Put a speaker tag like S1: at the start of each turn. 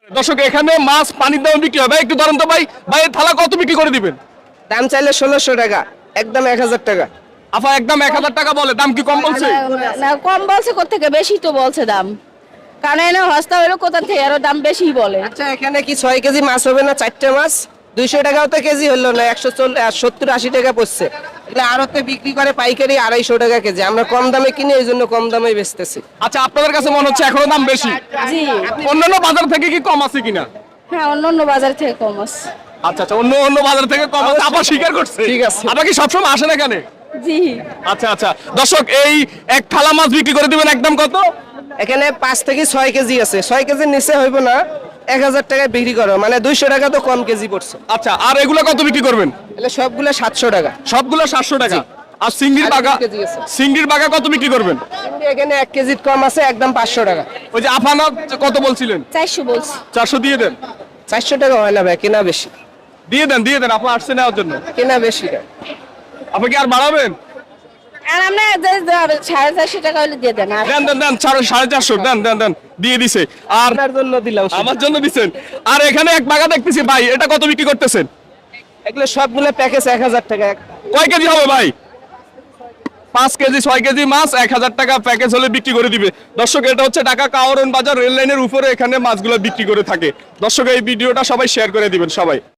S1: দর্শক এখানে মাছ পানির দামে বিক্রি হয় ভাই, একটু ধরেন তো ভাই। ভাই এই থালা কত বিক্রি করে দিবেন?
S2: দাম চাইলে 1600 টাকা, একদম 1000 টাকা।
S1: আফা একদম 1000 টাকা বলে, দাম কি কম বলছে?
S3: না কম বলছে, কোথেকে বেশি তো বলছে দাম, কারণ এনে হস্তা হইলো কোথা থেকে আরো দাম বেশি বলে।
S2: আচ্ছা এখানে কি 6 কেজি মাছ হবে না? 4টে মাছ 200 টাকাও তো কেজি হলো না, 170-80 টাকা পড়ছে। এগুলো আড়তে বিক্রি করে পাইকারি 250 টাকা কেজি। আমরা কম দামে কিনি, এই জন্য কম দামে বেচতেছি।
S1: আচ্ছা আপনাদের কাছে মনে হচ্ছে এখনো দাম বেশি?
S3: জি
S1: অন্যান্য বাজার থেকে কি কম আছে কিনা?
S3: হ্যাঁ, অন্য অন্য বাজার থেকে কম আছে।
S1: আচ্ছা আচ্ছা, অন্য অন্য বাজার থেকে কম আছে, আপা স্বীকার করছে।
S2: ঠিক আছে।
S1: আপা কি সবসময় আসেন এখানে?
S3: জি
S1: আচ্ছা আচ্ছা দর্শক, এই এক থালা মাছ বিক্রি করে দিবেন একদম কত?
S2: এখানে 5 থেকে 6 কেজি আছে, 6 কেজির নিচে হইব না, 1000 টাকায় বিক্রি করো, মানে 200 টাকা তো কম কেজি পড়ছে।
S1: আচ্ছা, আর এগুলো কত বিক্রি করবেন?
S2: এগুলো সবগুলো 700 টাকা।
S1: সবগুলো 700 টাকা। আর সিঙ্গির
S2: আর
S1: বাগা,
S2: 2 কেজি আছে।
S1: সিঙ্গির বাগা কত বিক্রি করবেন?
S2: কিন্তু এখানে 1 কেজির কম আছে, একদম 500 টাকা।
S1: ওই যে আফানা কত বলছিলেন?
S3: 400 বলছি।
S1: 400 দিয়ে দেন।
S2: 400 টাকা হয় না ভাই, কেনা বেশি।
S1: দিয়ে দেন, আপা আসছে নেওয়ার জন্য।
S2: কেনা বেশি।
S1: আপনি কি আর বাড়াবেন?
S3: আর আমরা 450 টাকা হলে দিয়ে দেন। আর
S1: দেন 450, দেন দিয়ে দিছে। আর
S2: আপনার জন্য দিলাম।
S1: আমার জন্য দিছেন। আর এখানে এক বাগা দেখতেছি ভাই, এটা কত বিক্রি করতেছেন?
S2: এগুলো সবগুলো প্যাকেজ 1000 টাকা।
S1: কয় কেজি হবে ভাই? 5 কেজি 6 কেজি মাছ 1000 টাকা প্যাকেজ হলে বিক্রি করে দিবে। দর্শক এটা হচ্ছে ঢাকা কাওরন বাজার রেল লাইনের উপরে, এখানে মাছগুলো বিক্রি করে থাকে। দর্শক এই ভিডিওটা সবাই শেয়ার করে দিবেন সবাই।